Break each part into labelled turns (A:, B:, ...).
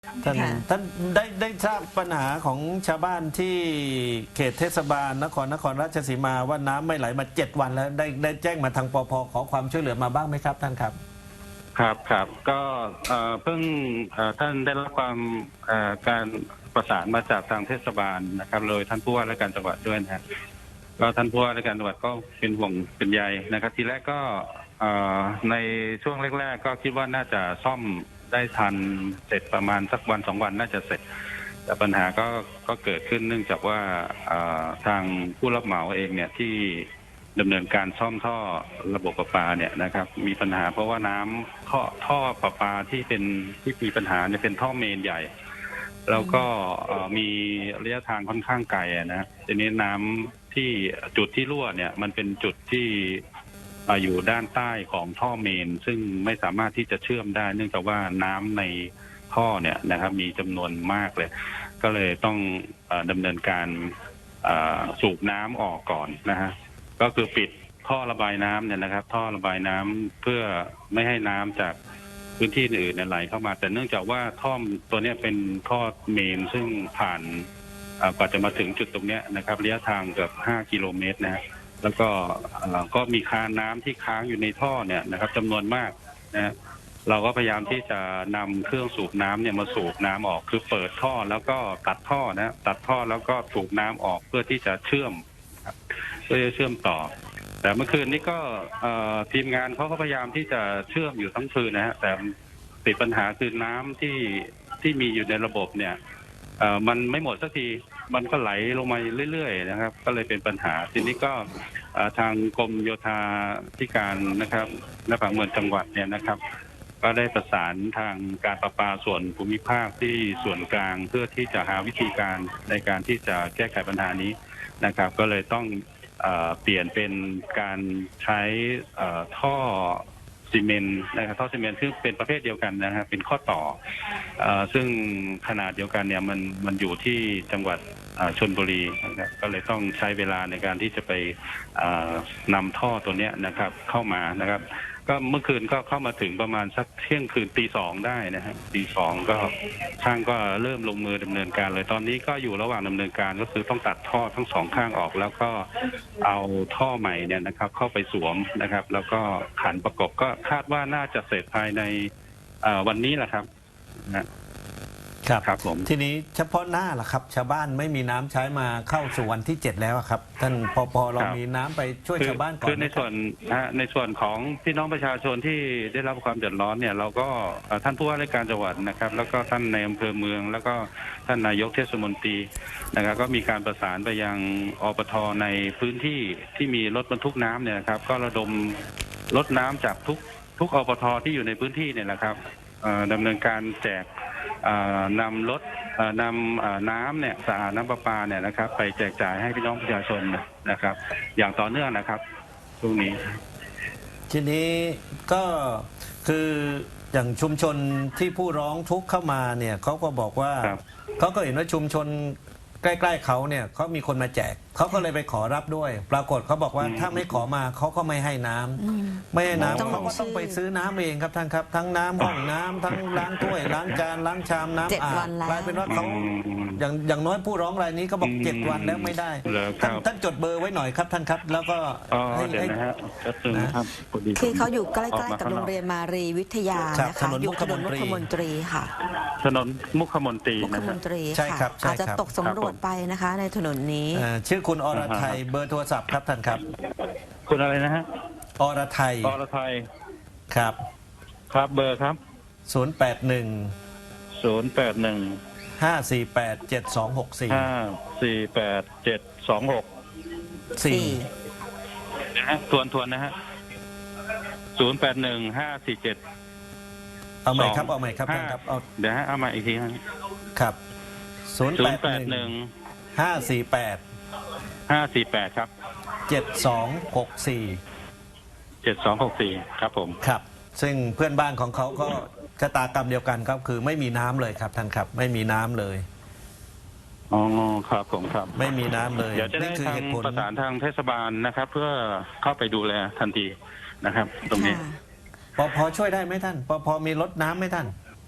A: ท่าน
B: ค่ะ
A: ท่านได้ทราบปัญหาของชาวบ้านที่เขตเทศบาลนครราชสีมาว่าน้ำไม่ไหลมา7 วันแล้วได้แจ้งมาทางปภขอความช่วยเหลือมาบ้างไหมครับท่านครับ
C: ครับก็เพิ่งท่านได้รับความการประสานมาจากทางเทศบาลนะครับโดยท่านผู้ว่าราชการจังหวัดด้วยนะฮะก็ท่านผู้ว่าราชการจังหวัดก็เป็นห่วงเป็นใยนะครับทีแรกก็ในช่วงแรกๆก็คิดว่าน่าจะซ่อมได้ทันเสร็จประมาณสัก1-2 วันน่าจะเสร็จแต่ปัญหาก็เกิดขึ้นเนื่องจากว่าทางผู้รับเหมาเองเนี่ยที่ดำเนินการซ่อมท่อระบบประปาเนี่ยนะครับมีปัญหาเพราะว่าน้ำท่อประปาที่มีปัญหาเนี่ยเป็นท่อเมนใหญ่แล้วก็มีระยะทางค่อนข้างไกลนะทีนี้น้ำที่จุดที่รั่วเนี่ยมันเป็นจุดที่อยู่ด้านใต้ของท่อเมนซึ่งไม่สามารถที่จะเชื่อมได้เนื่องจากว่าน้ำในท่อเนี่ยนะครับมีจำนวนมากเลยก็เลยต้องดำเนินการสูบน้ำออกก่อนนะฮะก็คือปิดท่อระบายน้ำเนี่ยนะครับท่อระบายน้ำเพื่อไม่ให้น้ำจากพื้นที่อื่นๆไหลเข้ามาแต่เนื่องจากว่าท่อตัวนี้เป็นท่อเมนซึ่งผ่านกว่าจะมาถึงจุดตรงนี้นะครับระยะทางเกือบ5 กิโลเมตรนะฮะแล้วก็มีคานน้ำที่ค้างอยู่ในท่อเนี่ยนะครับจำนวนมากนะเราก็พยายามที่จะนำเครื่องสูบน้ำเนี่ยมาสูบน้ำออกคือเปิดท่อแล้วก็ตัดท่อนะตัดท่อแล้วก็สูบน้ำออกเพื่อที่จะเชื่อมต่อแต่เมื่อคืนนี้ก็ทีมงานเขาก็พยายามที่จะเชื่อมอยู่ทั้งคืนนะฮะแต่ติดปัญหาคือน้ำที่มีอยู่ในระบบเนี่ยมันไม่หมดสักทีมันก็ไหลลงมาเรื่อยๆนะครับก็เลยเป็นปัญหาทีนี้ก็ทางกรมโยธาธิการนะครับและผังเมืองจังหวัดเนี่ยนะครับก็ได้ประสานทางการประปาส่วนภูมิภาคที่ส่วนกลางเพื่อที่จะหาวิธีการในการที่จะแก้ไขปัญหานี้นะครับก็เลยต้องเปลี่ยนเป็นการใช้ท่อซีเมนต์นะครับท่อซีเมนต์ซึ่งเป็นประเภทเดียวกันนะครับเป็นข้อต่อซึ่งขนาดเดียวกันเนี่ยมันอยู่ที่จังหวัดชลบุรีนะครับก็เลยต้องใช้เวลาในการที่จะไปนำท่อตัวนี้นะครับเข้ามานะครับก็เมื่อคืนก็เข้ามาถึงประมาณสักเที่ยงคืนตี 2ได้นะฮะตี 2ก็ช่างก็เริ่มลงมือดำเนินการเลยตอนนี้ก็อยู่ระหว่างดำเนินการก็คือต้องตัดท่อทั้ง2 ข้างออกแล้วก็เอาท่อใหม่เนี่ยนะครับเข้าไปสวมนะครับแล้วก็ขันประกบก็คาดว่าน่าจะเสร็จภายในวันนี้แหละครับนะครับผม
A: ทีนี้เฉพาะหน้าล่ะครับชาวบ้านไม่มีน้ำใช้มาเข้าสู่วันที่7แล้วครับท่านปเรามีน้ำไปช่วยชาวบ้านก่อน
C: คือในส่วนของพี่น้องประชาชนที่ได้รับความเดือดร้อนเนี่ยเราก็ท่านผู้ว่าราชการจังหวัดนะครับแล้วก็ท่านในอำเภอเมืองแล้วก็ท่านนายกเทศมนตรีนะครับก็มีการประสานไปยังอปทในพื้นที่ที่มีรถบรรทุกน้ำเนี่ยนะครับก็ระดมรถน้ำจากทุกอปทที่อยู่ในพื้นที่เนี่ยนะครับดำเนินการแจกนำรถนำน้ำเนี่ยสะอาดน้ำประปาเนี่ยนะครับไปแจกจ่ายให้พี่น้องประชาชนนะครับอย่างต่อเนื่องนะครับช่วงนี้
A: ทีนี้ก็คืออย่างชุมชนที่ผู้ร้องทุกข์เข้ามาเนี่ยเขาก็บอกว่าเขาก็เห็นว่าชุมชนใกล้ๆเขาเนี่ยเขามีคนมาแจกเขาก็เลยไปขอรับด้วย ปรากฏเขาบอกว่าถ้าไม่ขอมาเขาก็ไม่ให้น้ำไม่ให้น้ำเขาก็ต้องไปซื้อน้ำเองครับท่านครับทั้งน้ำห้องน้ำทั้งล้างถ้วยล้างจานล้างชามน้ำอาบกลายเป็นว่าเขาอย่างน้อยผู้ร้องรายนี้ก็บอก7 วันแล้วไม่ได้ท่านจดเบอร์ไว้หน่อยครับท่านครับแล้วก็
C: เดี๋ยวนะฮะ
B: คือเขาอยู่ใกล้ๆกับโรงเรียนมารีวิทยานะคะอยู่ถนนมุขมนตรีค่ะ
C: ถนนมุขมนตรี
A: ใช่ครับ
B: อาจจะตกสำรวจไปนะคะในถนนนี้
A: ชื่อคุณอรไทยเบอร์โทรศัพท์ครับท่านครับ
C: คุณอะไรนะฮะ
A: อรไทยครับ
C: ครับเบอร์ครับ
A: 081 548 7264
C: นะฮะทวนนะฮะ081 547
A: เอาใหม่ครับท่านครับ
C: เดี๋ยวฮะเอามาอีกที
A: ครับ
C: 081 548ครับ
A: 7264
C: ครับผม
A: ครับซึ่งเพื่อนบ้านของเขาก็ชะตากรรมเดียวกันครับคือไม่มีน้ำเลยครับท่านครับไม่มีน้ำเลย
C: อ๋อครับผมครับ
A: ไม่มีน้ำเลย
C: เดี๋ยวจะได้ทางประสานทางเทศบาลนะครับเพื่อเข้าไปดูแลทันทีนะครับตรงนี้
A: พอช่วยได้ไหมท่านพอมีรถน้ำไหมท่าน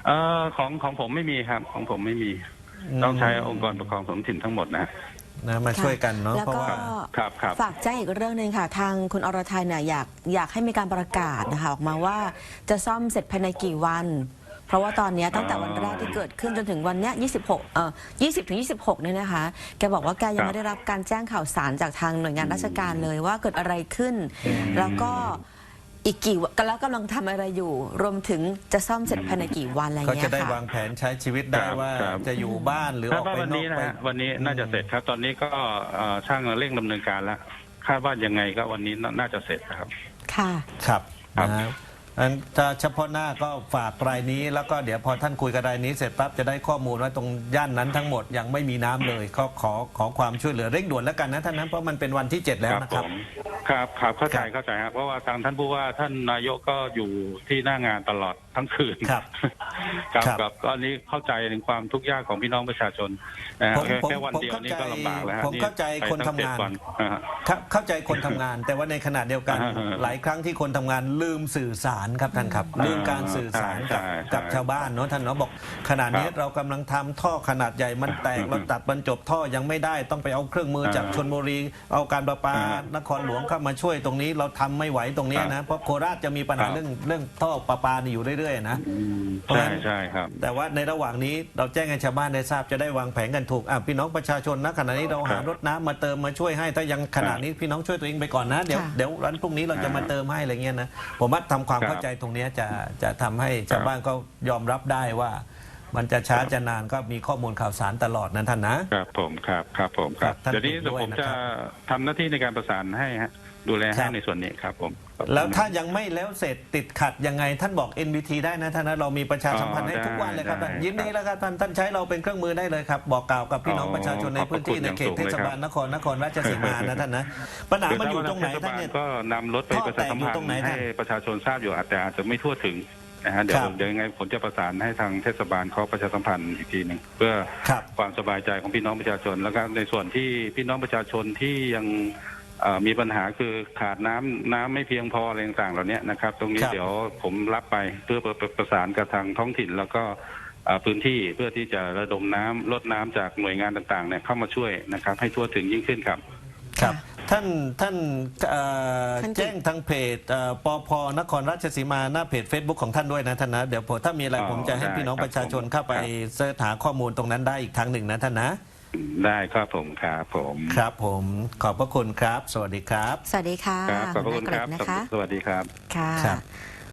C: ของผมไม่มีครับของผมไม่มีต้องใช้องค์กรปกครองท้องถิ่นทั้งหมดนะ
A: มาช่วยกันเนาะ
B: แล้วก็ฝากแจ้งอีกเรื่องหนึ่งค่ะทางคุณอรทัยเนี่ยอยากให้มีการประกาศนะคะออกมาว่าจะซ่อมเสร็จภายในกี่วันเพราะว่าตอนนี้ตั้งแต่วันแรกที่เกิดขึ้นจนถึงวันเนี้ย20 ถึง 26เนี่ยนะคะแกบอกว่าแกยังไม่ได้รับการแจ้งข่าวสารจากทางหน่วยงานราชการเลยว่าเกิดอะไรขึ้นแล้วก็อีกกี่วันแล้วกำลังทำอะไรอยู่รวมถึงจะซ่อมเสร็จภายในกี่วันอะไรเงี้ยค่ะ
A: ก็จะได้วางแผนใช้ชีวิตได้ว่าจะอยู่บ้านหรือออกไปนอกไป
C: วันนี้น่าจะเสร็จครับตอนนี้ก็ช่างเร่งดำเนินการแล้วคาดว่ายังไงก็วันนี้น่าจะเสร็จครับ
B: ค่ะ
A: ครับนะอันถ้าเฉพาะหน้าก็ฝากรายนี้แล้วก็เดี๋ยวพอท่านคุยกับรายนี้เสร็จปั๊บจะได้ข้อมูลว่าตรงย่านนั้นทั้งหมดยังไม่มีน้ำเลยก็ขอความช่วยเหลือเร่งด่วนแล้วกันนะท่านนั้นเพราะมันเป็นวันที่ 7แล้วนะครับ
C: ครับเข้าใจครับเพราะว่าทางท่านผู้ว่าท่านนายกก็อยู่ที่หน้างานตลอดทั้งคืน
A: ครับ
C: ก็อันนี้เข้าใจถึงความทุกข์ยากของพี่น้องประชาชนแค่วันเดียวนี่ก็ลำบากแล้ว
A: ผมเข้าใจคนทำงานเข้าใจคนทำงานแต่ว่าในขณะเดียวกันหลายครั้งที่คนทำงานลืมสื่อสารครับท่านครับลืมการสื่อสารกับชาวบ้านเนาะท่านเนาะบอกขนาดนี้เรากำลังทำท่อขนาดใหญ่มันแตกเราตัดบรรจบท่อยังไม่ได้ต้องไปเอาเครื่องมือจากชลบุรีเอาการประปานครหลวงเข้ามาช่วยตรงนี้เราทำไม่ไหวตรงนี้นะเพราะโคราชจะมีปัญหาเรื่องท่อประปานี่อยู่เรื่อยๆนะ
C: ใช่ครับ
A: แต่ว่าในระหว่างนี้เราแจ้งให้ชาวบ้านได้ทราบจะได้วางแผนกันถูกพี่น้องประชาชนนะขณะนี้เราหารถน้ำมาเติมมาช่วยให้ถ้ายังขณะนี้พี่น้องช่วยตัวเองไปก่อนนะเดี๋ยววันพรุ่งนี้เราจะมาเติมให้อะไรเงี้ยนะผมว่าทำความเข้าใจตรงนี้จะทำให้ชาวบ้านก็ยอมรับได้ว่ามันจะช้าจะนานก็มีข้อมูลข่าวสารตลอดนะท่านนะครับ
C: ผมครับเดี๋ยวนี้ผมจะทำหน้าที่ในการประสานให้ฮะดูแลให้ในส่วนนี้ครับผม
A: แล้วถ้ายังไม่แล้วเสร็จติดขัดยังไงท่านบอก NBT ได้นะท่านนะเรามีประชาสัมพันธ์ให้ทุกวันเลยครับยินดีแล้วครับท่านใช้เราเป็นเครื่องมือได้เลยครับบอกกล่าวกับพี่น้องประชาชนในพื้นที่ในเขตเทศบาลนครราชสีมานะท่านนะปัญหามันอยู่ตรงไหนท่านเนี่ย
C: ก็นำรถไปประชาสัมพันธ์ให้ประชาชนทราบอยู่แต่อาจจะไม่ทั่วถึงนะฮะเดี๋ยวยังไงผมจะประสานให้ทางเทศบาลเขาประชาสัมพันธ์อีกทีหนึ่งเพื่อความสบายใจของพี่น้องประชาชนแล้วก็ในส่วนที่พี่น้องประชาชนที่ยังมีปัญหาคือขาดน้ำไม่เพียงพออะไรต่างๆเหล่านี้นะครับตรงนี้เดี๋ยวผมรับไปเพื่อประสานกับทางท้องถิ่นแล้วก็พื้นที่เพื่อที่จะระดมน้ำลดน้ำจากหน่วยงานต่างๆเนี่ยเข้ามาช่วยนะครับให้ทั่วถึงยิ่งขึ้นครับ
A: ครับท่านแจ้งทางเพจปพนครราชสีมาหน้าเพจ Facebook ของท่านด้วยนะท่านนะเดี๋ยวถ้ามีอะไรผมจะให้พี่น้องประชาชนเข้าไปเสิร์ชหาข้อมูลตรงนั้นได้อีกทางหนึ่งนะท่านนะ
C: ได้ครับผมครับ
A: ผมขอบพระคุณครับสวัสดีครับ
B: สวัสดีค่ะ
C: ขอบพระคุณครับสวัสดีครับ
B: ค่ะ